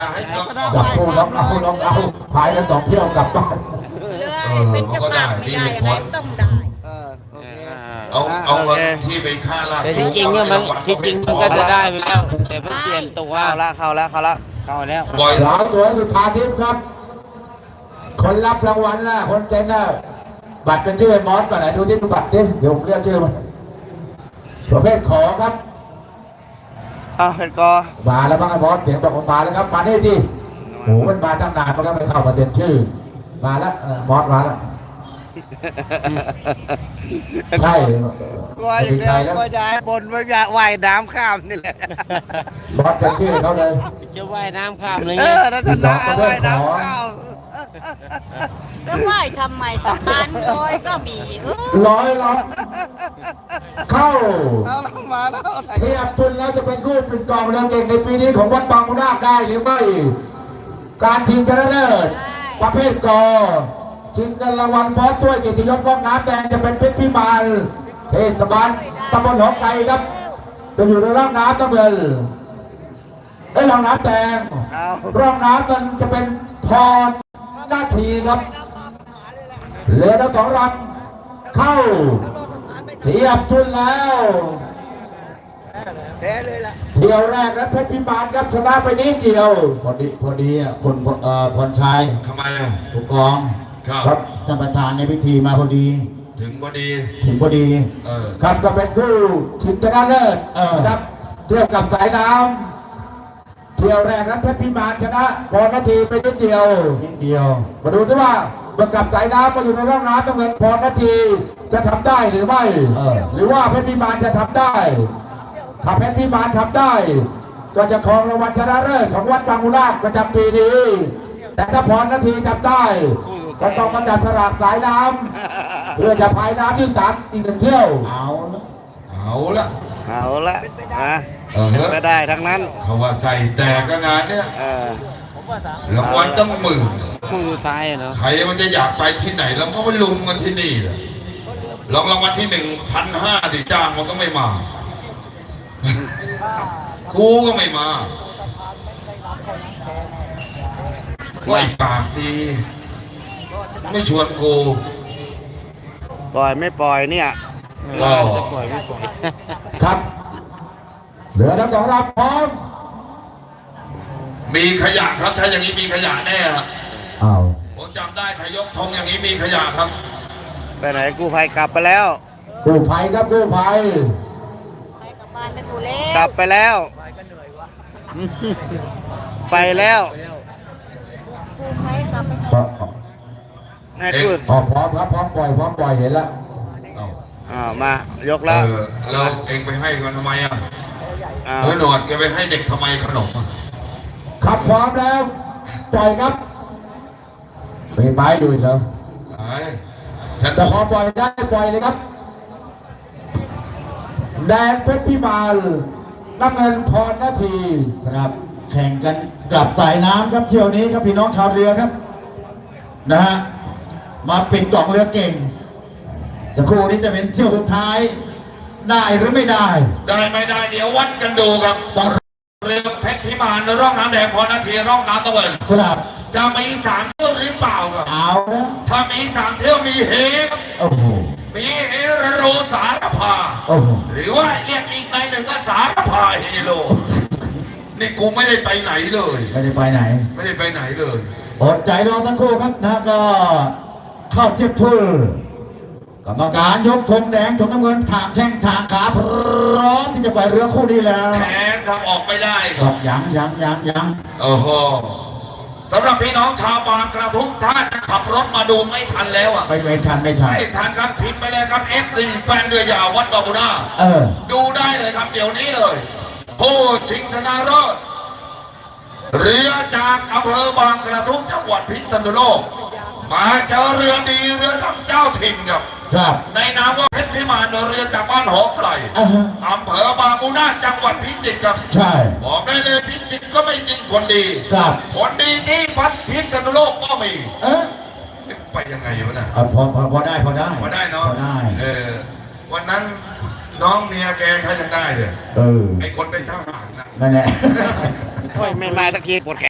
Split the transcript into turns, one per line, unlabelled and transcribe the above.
จับคู่น้องเอาพายกัน2 เที่ยวกลับบ้าน
เรือเป็นเจ้าภาพไม่ได้อะไรต้องได้
โอเค
เอาเงินที่ไปค่าลาด
แต่จริงๆเนี่ยมันก็จะได้ไปแล้วแต่เพิ่งเปลี่ยนตัว
เข้าแล้ว
บ่อย
สาวสวยสุธาทิพย์ครับ คนรับรางวัลนะคนเจนนะบัตรเป็นชื่อไอ้มอสป่ะไหนดูที่บัตรดิเดี๋ยวผมเรียกชื่อมันประเภทขอครับ
เป็นกอ
มาแล้วบ้างไอ้มอสเสียงบอกว่ามาแล้วครับมาได้ดิโอ้มันมาตั้งนานมันก็ไม่เข้ามาเต็มชื่อ มาแล้วมอสมาแล้วใช่
กลัวอย่างเดียวกลัวจะให้บนว่าจะว่ายน้ำข้ามนี่แหละ
มอสเป็นชื่อเขาเลย
จะว่ายน้ำข้ามเลย
ถ้าชนะว่ายน้ำข้าม
ก็ไหว้ทำไมตะการลอยก็มี
ร้อยละเข้า
เอามาแล้ว
เทียบทุนแล้วจะเป็นคู่เป็นกองเรือเก่งในปีนี้ของวัดบางมุนาคได้หรือไม่ การชิงชนะเลิศประเภทกอชิงเงินรางวัลพร้อมถ้วยเกียรติยศกองน้ำแดงจะเป็นเพชรพิมานเทศบาลตำบลหนองไก่ครับ จะอยู่ในร่องน้ำน้ำเงินร่องน้ำแดงร่องน้ำมันจะเป็นพรหน้าทีครับเรือทั้ง2 ลำเข้าเทียบทุนแล้วเที่ยวแรกนั้นเพชรพิมานครับชนะไปนิดเดียวพอดีอ่ะคนพรชัย
ทำไมอ่ะ
ผู้กอง
ครับ
ท่านประธานในพิธีมาพอดี
ถึงพอดี
ถึงพอดี ครับก็เป็นคู่ชิงชนะเลิศครับเทียบกับสายน้ำเที่ยวแรกนั้นเพชรพิมานชนะพรนาทีไปนิดเดียวมาดูด้วยว่าเมื่อกับสายน้ำมาอยู่ในร่องน้ำต้องเงินพรนาทีจะทำได้หรือไม่หรือว่าเพชรพิมานจะทำได้ถ้าเพชรพิมานทำได้ ก็จะครองรางวัลชนะเลิศของวัดบางมุนาคประจำปีนี้แต่ถ้าพรนาทีทำได้ก็ต้องมาจับฉลากสายน้ำเพื่อจะพายน้ำที่3อีก1 เที่ยว
เอาละ
ก็ได้ทั้งนั้น
เขาว่าใส่แต่ก็งานเนี้ยรางวัลต้องหมื่น
คู่สุดท้ายเนาะ
ใครมันจะอยากไปที่ไหนแล้วก็ไปลุมกันที่นี่แหละรางวัลที่ 1,500ที่จ้างมันก็ไม่มากูก็ไม่มาไม่ปากดีไม่ชวนกู
ปล่อยไม่ปล่อยเนี่ย
ก็
จะปล่อยไม่ปล่อย
ครับเหลือทั้ง2 ลำพร้อม
มีขยะครับถ้าอย่างนี้มีขยะแน่ครับ
อ้าว
ผมจำได้ใครยกธงอย่างนี้มีขยะครับ
ไปไหนกู้ภัยกลับไปแล้ว
กู้ภัยครับกู้ภัย
ไปกับบ้านไปกูเล่
กลับไปแล้ว ไปแล้ว
กูไปกลับไป
ให้กู้
พร้อมครับพร้อมปล่อยเห็นแล้ว
มายกแล้ว
เราเองไปให้กันทำไมอ่ะ
อ้าว
หนวดแกไปให้เด็กทำไมขนมอ่ะ
ขับพร้อมแล้วปล่อยครับมีไม้ดูอีกแล้ว
ไอ้ฉัน
แต่พอปล่อยได้ปล่อยเลยครับแดงเพชรพิมานน้ำเงินพรนาทีครับ แข่งกันกลับสายน้ำครับเที่ยวนี้ครับพี่น้องชาวเรือครับนะฮะมาปิดกล่องเรือเก่งแต่คู่นี้จะเป็นเที่ยวสุดท้ายได้หรือไม่ได้
ได้ไม่ได้เดี๋ยววัดกันดูครับ
ต้อง
เรือเพชรพิมานร่องน้ำแดงพอนาทีร่องน้ำตะเวน
ครับ
จะมี3 เที่ยวหรือเปล่าครับ
เอานะ
ถ้ามี3 เที่ยวมีเฮครับ
โอ้โห
มีเฮโรสารพา
โอ้โห
หรือว่าเรียกอีกในหนึ่งก็สารพาเฮโรนี่กูไม่ได้ไปไหนเลย
ไม่ได้ไปไหน
ไม่ได้ไปไหนเลย
อดใจรอทั้งคู่ครับนะก็เข้าเทียบทุนกรรมการยกธงแดงธงน้ำเงินถางแข้งถางขาพร้อมที่จะไปเรือคู่นี้แล้ว
แขนทำออกไม่ได้ค
ค
รั
รั
บบ
ยัง
โอ้โหสำหรับพี่น้องชาวบางกระทุ่มถ้าจะขับรถมาดูไม่ทันแล้วอ่ะ
ไม่ทัน
ไม่ทันครับพิมพ์ไปเลยครับ F4 แฟนเรือยาววัดบางบุนา ดูได้เลยครับเดี๋ยวนี้เลยผู้ชิงชนะเลิศเรือจากอำเภอบางกระทุ่มจังหวัดพิษณุโลกมาเจอเรือดีเรือลำเจ้าถิ่นครับ
ครับ
ในนามว่าเพชรพิมานเรือจากบ้านหอมไกลอำเภอบางมูนาจังหวัดพิจิตรครับ
ใช่
บอกได้เลยพิจิตรก็ไม่จริงคนดี
ครับ
คนดีที่พัดพิษณุโลกก็มี ไปยังไงวะน่ะ
พอได้
พอได้เนาะ
พอได้
วันนั้นน้องเมียแกเขายังได้เลย
เออ
ไอคนเป็นทหารนะ
นั่นแหละ
ค่อยไม่มาสักทีปวดแข